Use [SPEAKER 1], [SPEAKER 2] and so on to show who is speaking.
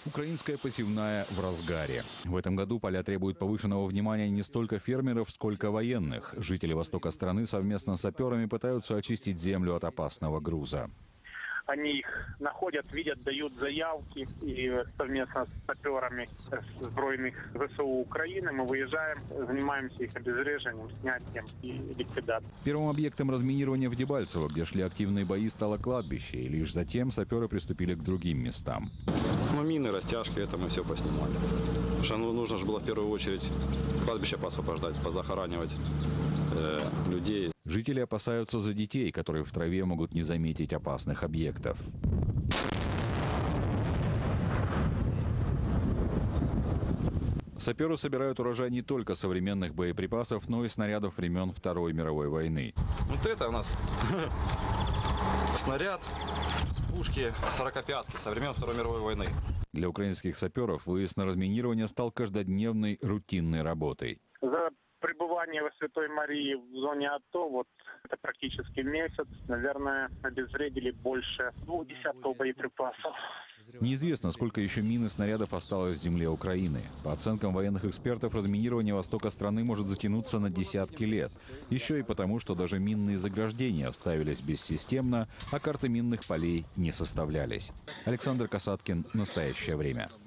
[SPEAKER 1] Украинская посевная в разгаре. В этом году поля требуют повышенного внимания не столько фермеров, сколько военных. Жители востока страны совместно с саперами пытаются очистить землю от опасного груза.
[SPEAKER 2] Они их находят, видят, дают заявки, и совместно с саперами Збройных ВСУ Украины мы выезжаем, занимаемся их обезвреживанием, снятием и ликвидацией.
[SPEAKER 1] Первым объектом разминирования в Дебальцево, где шли активные бои, стало кладбище, и лишь затем саперы приступили к другим местам.
[SPEAKER 3] Ну, мины, растяжки, это мы все поснимали. Потому что нужно же было в первую очередь кладбище поосвобождать, позахоранивать людей.
[SPEAKER 1] Жители опасаются за детей, которые в траве могут не заметить опасных объектов. Саперы собирают урожай не только современных боеприпасов, но и снарядов времен Второй мировой войны.
[SPEAKER 3] Вот это у нас снаряд с пушки 45-ки со времен Второй мировой войны.
[SPEAKER 1] Для украинских саперов выезд на разминирование стал каждодневной рутинной работой.
[SPEAKER 2] За пребывание во Святой Марии в зоне АТО, вот это практически месяц, наверное, обезвредили больше 2 десятков боеприпасов.
[SPEAKER 1] Неизвестно, сколько еще мин и снарядов осталось в земле Украины. По оценкам военных экспертов, разминирование востока страны может затянуться на десятки лет. Еще и потому, что даже минные заграждения ставились бессистемно, а карты минных полей не составлялись. Александр Касаткин. Настоящее время.